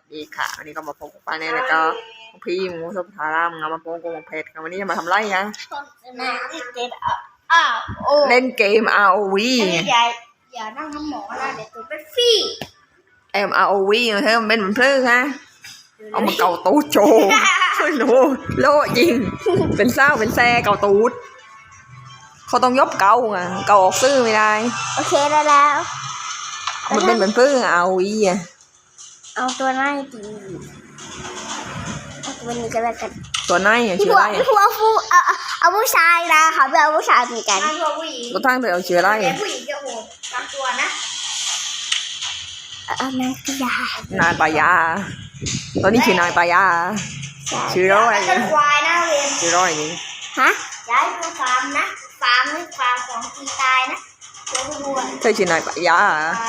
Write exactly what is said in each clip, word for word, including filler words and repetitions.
ดีค่ะวันนี้ก็มาพบกับป้าแน่แล้วก็พี่หมูสุภารามงามาโปงโกงเพชรกันวันนี้จะมาทำไรยังเล่นเกม อาร์ โอ วีอย่าอย่านั่งน้ำหมอนะเดี๋ยวตัวเป็นฟี่เอ็ม อาร์ โอ วี เธอมันเป็นเหมือนเพลื้ฮะเอามาเกาตูดโจโลโลจริงเป็นเศร้าเป็นแซ่เกาตูดเขาต้องยบเกาไงเกาออกซื้อไม่ได้โอเคได้แล้วมันเป็นเหมือนเพลื้ อาร์ โอ วี อ่ะเอาตัวไหนดีเอาตัวนี้ก็แล้วกันตัวไหนอ่ะชื่ออะไรผู้เอาผู้เอาเอาผู้ชายนะเขาไม่เอาผู้ชายเหมือนกันตัวทั้งเธอเอาชื่ออะไรผู้หญิงจะโหดตามตัวนะเอานายปายานายปายาตอนนี้ชื่อนายปายาชื่อร้อยควายนะเรียนชื่อร้อยนี่ฮะย้ายดูฟาร์มนะฟาร์มนี่ฟาร์มของตีตายนะเดี๋ยวดูเธอชื่อนายปายา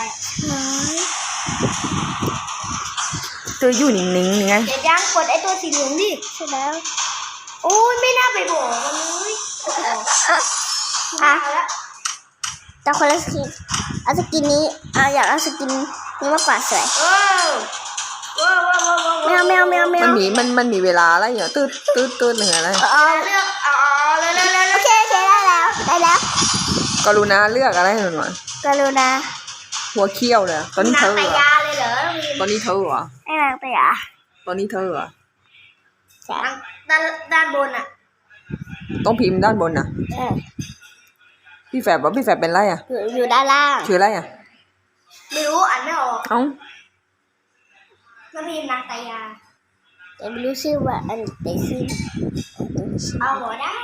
เธออยู่นิ่งๆนี่ไงเดี๋ยวยังกดไอ้ตัวสีเหลืองดิใช่แล้วโอ้ยไม่น่าไปบอกเลยอ่ะแต่คนละสกินเอาสกินนี้เอาอยากเอาสกินนี้มากกว่าสวยแมวแมวแมวแมวมันมีมันมันมีเวลาอะไรอย่างตืดตืดตืดหนึ่งอะไรเอาเลือกเอาเลยเลยเลยโอเคโอเคได้แล้วได้แล้วกรุณาเลือกอะไรหน่อยกรุณาหัวเขี้ยวเลยตอนนี้เธอเหรอตอนนี้เธอเหรอไอ้นางไปอ่ะตอนนี้เธอเหรอด้านด้านบนอ่ะต้องพิมพ์ด้านบนอ่ะพี่แฝดบอกพี่แฝดเป็นไรอ่ะอยู่ด้านล่างชื่ออะไรอ่ะไม่รู้อ่านไม่ออกเอ้าแล้วพิมพ์นางตายาแต่ไม่รู้ชื่อว่าอันไหนชื่อเอาหัวได้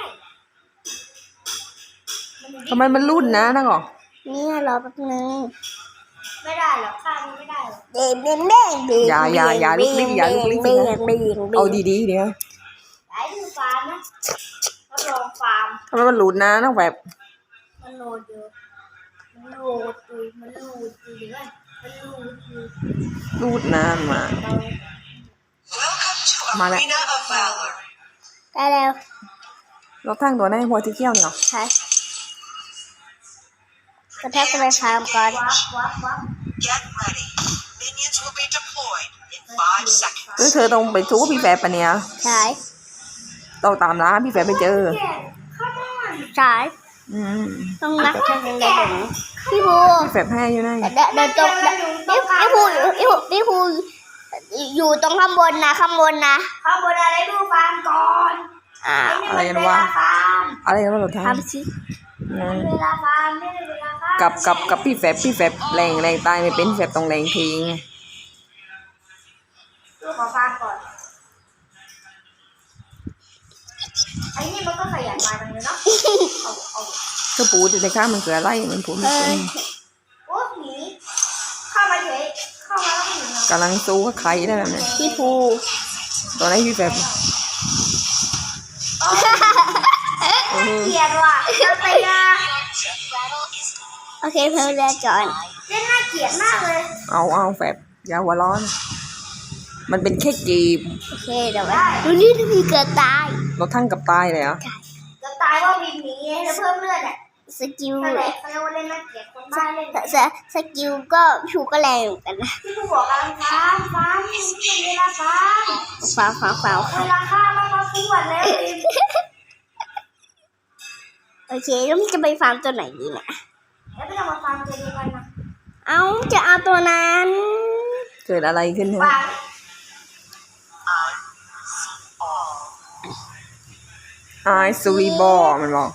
ทำไมมันรุ่นนะนักหรอนี่รอแป๊บนึงไม่ได้หรอกข้ามไม่ได้หรอกเด้งเด้งเด้งเด้งอย่าอย่าอย่าลุกลิ้นอย่าลุกลิ้นเอาดีๆเดี๋ยวไอ้ดูฟาร์มนะรับรองฟาร์มทำไมมันหลุดนะนักแบบมันโหลดอยู่มันโหลดอยู่มันโหลดอยู่เดี๋ยวมันโหลดอยู่รูดนานมามาแล้วได้แล้วเราทั้งตัวในหัวที่เขี้ยวเนี่ยใช่กระแทกไปฟาร์มก่อนเออเธอต้องไปชู้พี่แฝดปะเนี่ยใช่ต้องตามร้านพี่แฝดไปเจอใช่ต้องรักแค่ไหนเดี๋ยวพี่ภูพี่แฝดแพ้อยู่ไหนเดินตรงพี่พี่ภูพี่ภูพี่ภูอยู่ตรงข้างบนนะข้างบนนะข้างบนอะไรดูฟาร์มก่อนอ่าอะไรกันวะอะไรกันวะเราทำสิเวลาฟาร์มไม่ได้เวลาฟาร์มกับกับกับพี่แฝดพี่แฝดแรงแรงตายไม่เป็นแฝดต้องแรงทิ้งดูขอฟาร์มก่อนไอ้นี่มันก็ขยันมาจังเลยเนาะเอาเอาก็ปูดในข้างมันเกิดอะไรมันปูไม่เป็นโอ้หนีเข้ามาเฉยเข้ามาแล้วหนีกำลังสู้กับใครได้แบบนี้พี่ภูตอนนี้พี่แฝดเกลียดว่ะไปนะโอเคเพื่อนเรียนจอนเล่นน่าเกลียดมากเลยเอาเอาแฝดอย่าหัวร้อนมันเป็นแค่จีบโอเคเดี๋ยวดูนี่ถ้ามีเกิดตายเราทั้งกับตายเลยเหรอเกิดตายว่าวินหนีแล้วเพิ่มเลือดอ่ะสกิลเลยเขาเรียกว่าเล่นน่าเกลียดคนบ้าเล่นแต่สกิลก็ชูก็แรงเหมือนกันนะที่ผู้บอกกันฟ้าฟ้าไม่ใช่เวลาฟ้าฟ้าฟ้าฟ้าเวลาข้ามามาปวดแล้วโอเคแล้วมันจะไปฟาร์มตัวไหนดีเนี่ยแล้วไม่ต้องมาฟาร์มตัวเดียวกันนะเอาจะเอาตัวนั้นเกิดอะไรขึ้นฮะไอซูรีบอมันบอก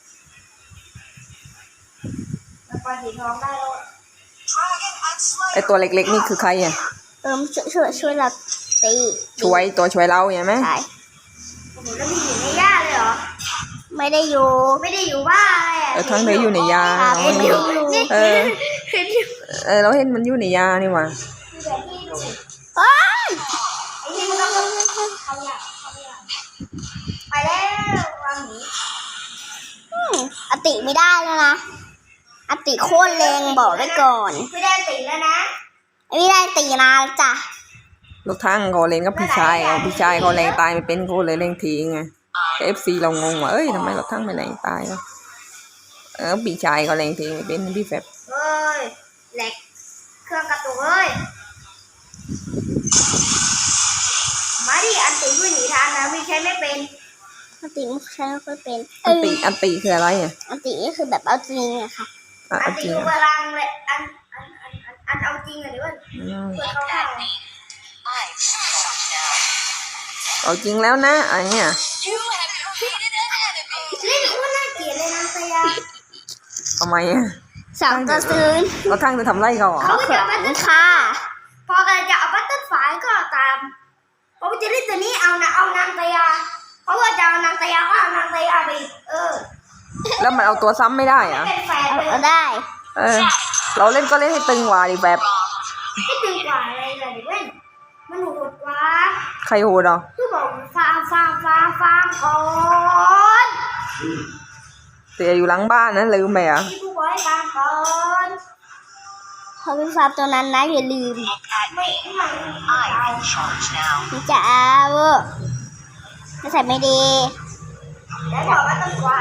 ไอตัวเล็กๆนี่คือใครอ่ะเออช่วยช่วยช่วยเราตีช่วยตัวช่วยเราอย่างไหมใช่แล้วมีอยู่ในหญ้าเลยเหรอไม่ได้อยู่ไม่ได้อยู่บ้านเลยเออทั้งเลยอยู่ในยาเออเออเราเห็นมันอยู่ในยานี่หว่าไปแล้ววางหนีอติไม่ได้แล้วนะอติโคตรแรงบอกไว้ก่อนไม่ได้ตีแล้วนะไม่ได้ตีนานจ้ะลูกทั้งเขาเล่นกับพี่ชายพี่ชายเขาแรงตายไม่เป็นเขาเลยเล่นทิ้งไงเอฟซีเรางงว่าเอ้ยทำไมเราทั้งไม่แรงตายแล้วเออพี่ชายเขาแรงทิ้งไม่เป็นพี่แฝดเฮ้ยแหลกเครื่องกระตุกเฮ้ยฉันนะวิใช้ไม่เป็นอันติไม่ใช้ไม่ค่อยเป็นอันติอันติคืออะไรอ่ะอันติก็คือแบบเอาจริงอะค่ะอ่ะอัเอานจติริงคือพอ่ะลังเลยอันอันอันอันอันเอาจริงอะหรือว่าอืมเพื่อเข้าข้างเอาจริงแล้วนะอันเนี้ยเล่นโคตรน่าเกลียดเลยนะตายาทำไมอ่ะสองต่อศูนย์แล้วข้างจะทำไรเขาเหรอเขาจะเอาบัตเตอร์ค่ะพอกันจะเอาบัตเตอร์ไฟก็ตามพอจะเล่นตัวนี้เอานะเอานางตายาเพราะว่าจะเอานางตายาก็เอานางตายาไปเออแล้วมันเอาตัวซ้ำไม่ได้อ่ะเป็นแฟนเลยเอาได้เออ เราเล่นก็เล่นให้ตึงกว่าดิแบบให้ตึงกว่าอะไรเลยดิเว้ยมันโหดกว่าใครโหดอ่ะคือบอกฟาร์มฟาร์มฟาร์มฟาร์มก่อนเสียอยู่หลังบ้านนะลืมไปอ่ะที่ผู้บอยฟาร์มก่อนเขาเป็นฟาร์มตัวนั้นนะอย่าลืมไม่ไม่เอาจะเอาจะใส่ไม่ดีแล้วบอกว่าต้องควาย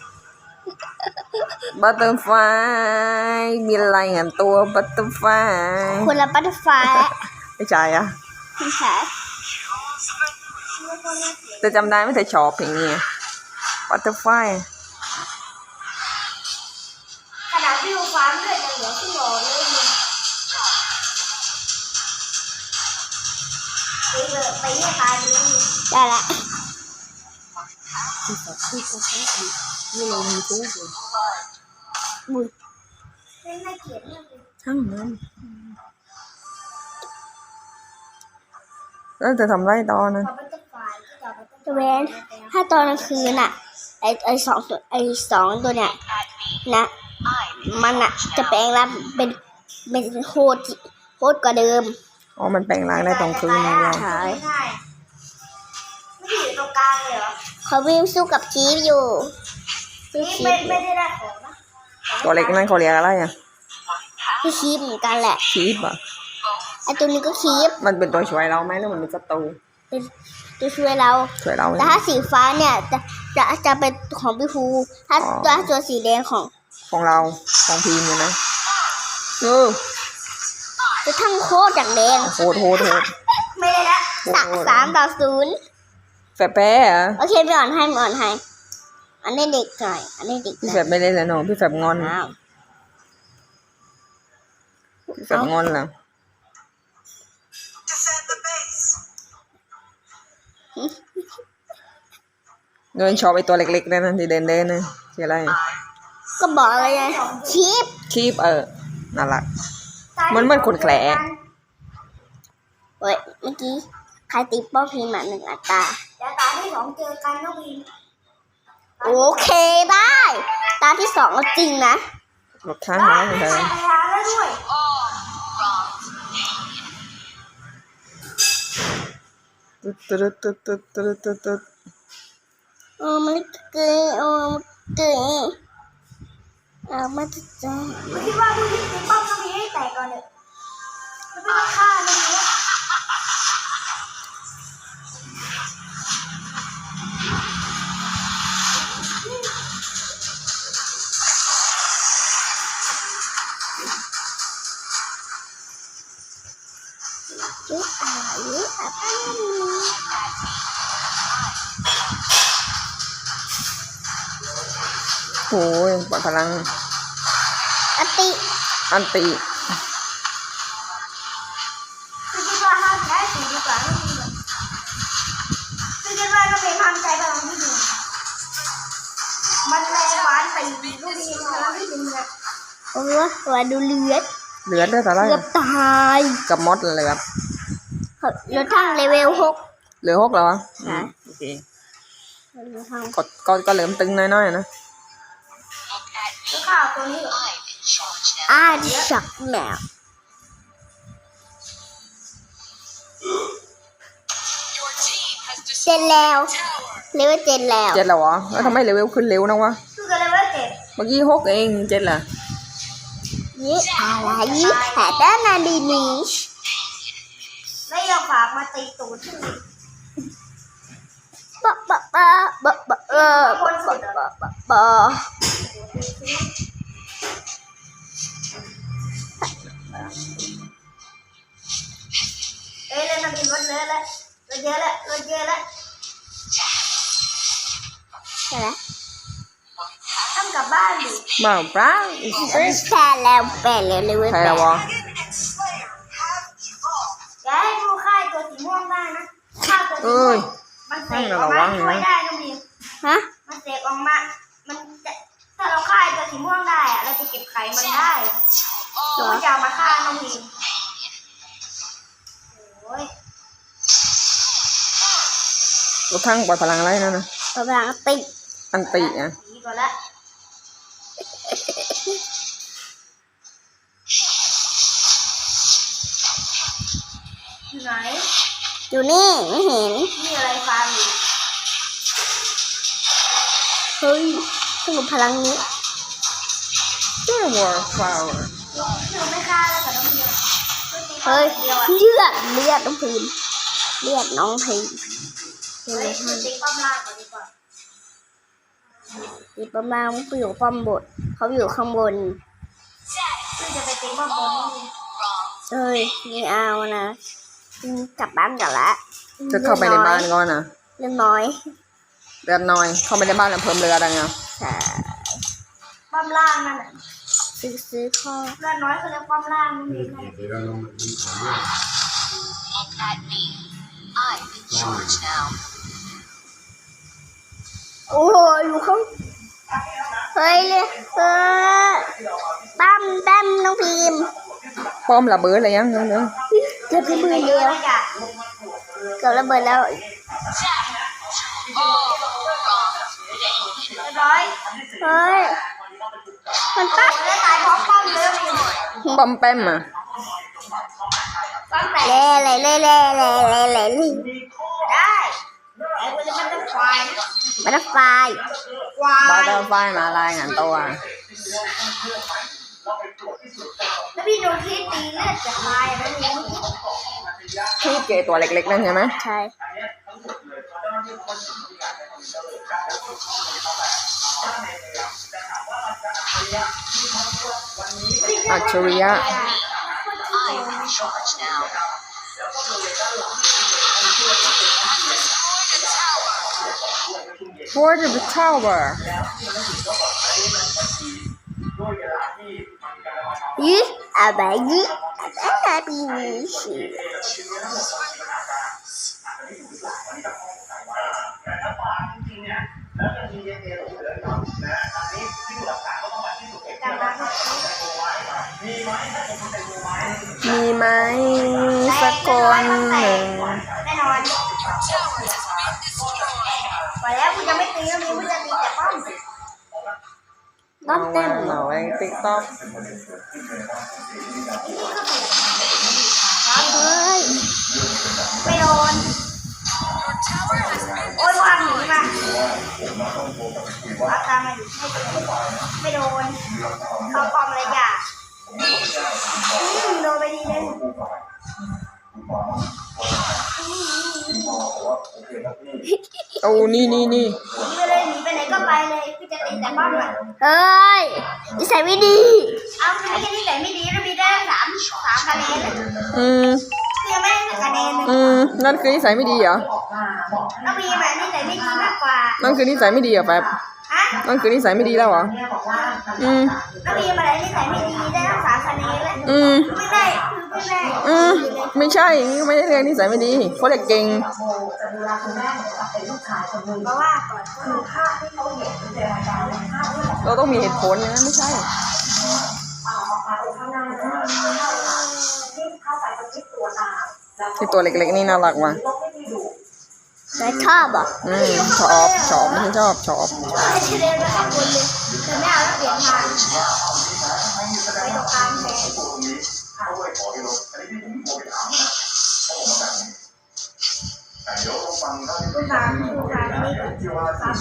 บัตเตอร์ไฟมีอะไรเงี้ยตัวบัตเตอร์ไฟคนละบัตเตอร์ไฟล์ไม่ใช่อ่ะคุณคะจะจำได้ไม่แต่ชอบเพลงนี้บัตเตอร์ไฟขนาดวิวฟาร์มเลือดยังเหลือที่หลอเลยไปเลยไปให้ตายเลยได้ละนี่เรามีทุกข์บุญเล่นน่าเกลียดมากเลยช่างมันแล้วจะทำไรตอนนั้นพอบัตเตอร์ไฟล์ที่เราบัตเตอร์ไฟล์เวนถ้าตอนกลางคืนอะไอไอสองตัวไอสองตัวเนี่ยนะมันอะจะแปลงร่างเป็นเป็นโคตรโคตรกว่าเดิมอ๋อมันแปลงร่างได้ตอนคืนนี่เนี่ยใช่ไม่อยู่ตรงกลางเลยเหรอเขาวิ่งสู้กับชีฟอยู่สู้ชีฟไม่ไม่ได้ได้ของนะตัวเล็กนั่นเขาเรียกอะไรอ่ะคือชีฟเหมือนกันแหละคีบอ่ะไอตัวนี้ก็ชีฟมันเป็นตัวช่วยเราไหมแล้วมันเป็นศัตรูเป็นตัวช่วยเราช่วยเราไหมแต่ถ้าสีฟ้าเนี่ยจะจะจะเป็นของพี่ภูถ้าอ๋อตัวตัวสีแดงของของเราของพีมอยู่นะเออจะทั้งโคตรอย่างแดงโหดโหดโหดไม่ได้ละสามสามต่อศูนย์แฝดแพ้เหรอโอเคไม่อ่อนให้ไม่อ่อนให้อันนี้เด็กหน่อยอันนี้เด็กหพี่น่แฝอยดไม่เล่นแล้วเนอะพี่แฝดงอนอ้าวพี่แฝดงอนแล้วเงินชอบไอตัวเล็กๆนั่นนะที่เดินเดินนะชื่ออะไรก็บอกเลยไงชีฟคีบเออน่ารัก มันเหมือนคนแขลเฮ้ยเมื่อกี้ใครตีป้อมพิมพ์มาหนึ่งอัตราเดี๋ยวตาที่สองเจอกันน้องพิมโอเคได้ ตาที่สองก็จริงนะรถข้างนะเธอไปหาแล้วด้วยตึ๊ดตึ๊ดตึ๊ดตึ๊ดตึ๊ดตึ๊ดตึ๊ดโอ้มันเกยโอ้มันเกยเอามาจะจ้าไม่คิดว่าผู้หญิงตีป้อมต้องมีให้แตกก่อนเลยไม่ต้องฆ่าเลยนะจุ๊บอะไรอะไรโอ้ยปล่อยพลังอติอันติคือคิดว่าห้ามแพ้สีดีกว่าไม่ดีเลยคือคิดว่าต้องเป็นทำใจพลังที่ดีมันแรงหวานตีลูกดีพลังที่ดีเลยโอ้ยว่าดูเลือดเหลือได้แต่ไรเกือบตายกับมดเลยครับเหลือทั้งเลเวลหกเหลือหกแล้ววะใช่โอเคเหลือทั้งก็ก็ก็เริ่มตึงน้อยๆนะแล้วข้าวตัวนี้อ่าดิฉักแมวเจนแล้วเลเวลเจนแล้วเจ็ดแล้วเหรอแล้วทำไมเลเวลขึ้นเร็วนะวะคือกันเลเวลเจ็ดเมื่อกี้หกเองเจ็ดเหรอยี่อะไรยี่แต่ด้านนาดีนิชไม่ยอมฝากมาตีตูดที่นี่บะบะบะบะบะเออบะบะบะบะบะเอ้ยเลยมันมีรถเยอะแล้วรถเยอะแล้วรถเยอะแล้วใช่แล้วต้องกลับบ้านดิบ้าเปล่าแพ้แล้วแพ้แล้วเลยเว้ยแพ้วะอย่าให้ดูค่ายตัวสีม่วงได้นะค่ายตัวสีเอ้ม่วย งมันเสกออกมาช่วยได้น้องบีมฮะมันเสกออกมามันจะถ้าเราค่ายตัวสีม่วงได้อะเราจะเก็บไข่มันได้เราจะเอามาฆ่าน้องบีมโอ้ยรถทั้งปล่อยพลังอะไรนั่นนะตัวพลังติดอันติอ่ะดีก่อนละอยู่ไหนอยู่นี่ไม่เห็นนี่อะไรฟาร์มอยู่เฮ้ยต้องกับพลังนี้เจ้าวอร์ฟลาวร์คือไม่ฆ่าแล้วแต่ต้องเดียวเฮ้ยเลือดเลือดน้องพิมเลือดน้องพิมเฮ้ยติ๊กป้อมล่างก่อนดีกว่าติ๊กป้อมล่างมันอยู่ป้อมบนเขาอยู่ข้างบนซึ่งจะไปติ๊กป้อมบนนี่เฮ้ยไม่เอานะกลับบ้านกันละจะเข้าไปในบ้านก่อนนะเรื่องน้อยเลือดน้อย เข้าไปในบ้านแล้วเพิ่มเลือดอะไรเงี้ยใช่ป้อมล่างนั่นแหละซื้อซื้อข้อเลือดน้อยคือเรียกป้อมล่างนี่เอง โอ้ยอยู่ข้างเฮ้ยเลยเออตั้มตั้มน้องพิมป้อมระเบิดอะไรยังเนื้อเนื้อเกือบระเบิดแล้วเกือบระเบิดแล้วเรียบร้อยเฮ้ยมันตั้มตายเพราะป้อมเลยป้อมแป้มอ่ะเล่เล่เล่เล่เล่เล่เล่ได้ไอ้คนจะมันต้องควายมันต้องควายควาบาย เตอร์ไฟมารายงานตัวแล้วพี่โดนที่ตีเลือดจะตายอะไรอย่างนี้ที่เกตัวเล็กๆนั่นใช่ไหมใช่อัจฉริยะ For the tower 咦，阿白咦，阿比你是。 มีไหมสักคนหนึ่งแน่นอนไปแล้วคุณจะไม่ตีแล้วมีคุณจะตีแต่ป้อมป้อมเต็มเอาไว้ติ๊กต็อกเฮ้ยไม่โดนโอ้ยวางหนีมาอาตามมาอยู่ไม่โดนเขาปลอมอะไรอย่างโดนไปดีเลยโอ้นี่นี่นี่หนีไปเลยหนีไปไหนก็ไปเลยพี่จะตีแต่ป้อมอ่ะเฮ้ยนิสัยไม่ดีเอาไม่ใช่นิสัยไม่ดีแล้วมีได้สามสามคะแนนเลยอืมคือยังไม่ได้คะแนนเลยอืมนั่นคือนิสัยไม่ดีเหรอแล้วมีแบบนิสัยไม่ดีมากกว่านั่นคือนิสัยไม่ดีเหรอแป๊บฮะนั่นคือนิสัยไม่ดีแล้วเหรออืมแล้วมีอะไรนิสัยไม่ดีได้ทั้งสามคะแนนเลยอืมไม่ได้คือไม่ได้อืมไม่ใช่ไม่ได้เรียนนิสัยไม่ดีเขาเรียกเก่งเพราะว่าก่อนเขาภาพที่เขาเห็นเราต้องมีเหตุผลนะไม่ใช่ที่ตัวเล็กๆนี่น่ารักว่ะแต่ชอบอ่ะอืมชอบชอบไม่ใช่ชอบชอบไอ้เชเดนไปข้างบนเลยแต่ไม่เอาแล้วเปลี่ยนทางไปตรงกลางแทนคุณทางคุณทางนี่สามคน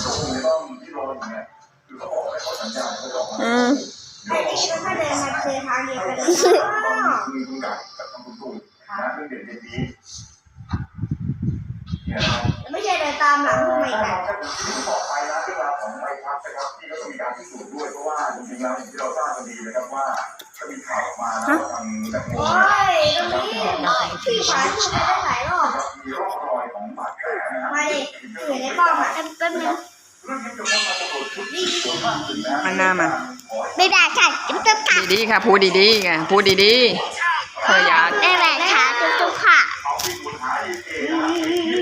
อืมไอ้นี่ถ้าเดินมาเจอทางเดียวกันเลยไม่ใช่เดินตามหลังคุณไม่ได้โอ้ยตรงนี้พี่ขวานพูดไปได้หลายรอบมาดิอยู่ในป้อมอ่ะแป๊บนึงมันหน้ามาไม่ได้ค่ะจะไม่ต้องกัดดีๆค่ะพูดดีๆไงพูดดีๆเธออย่า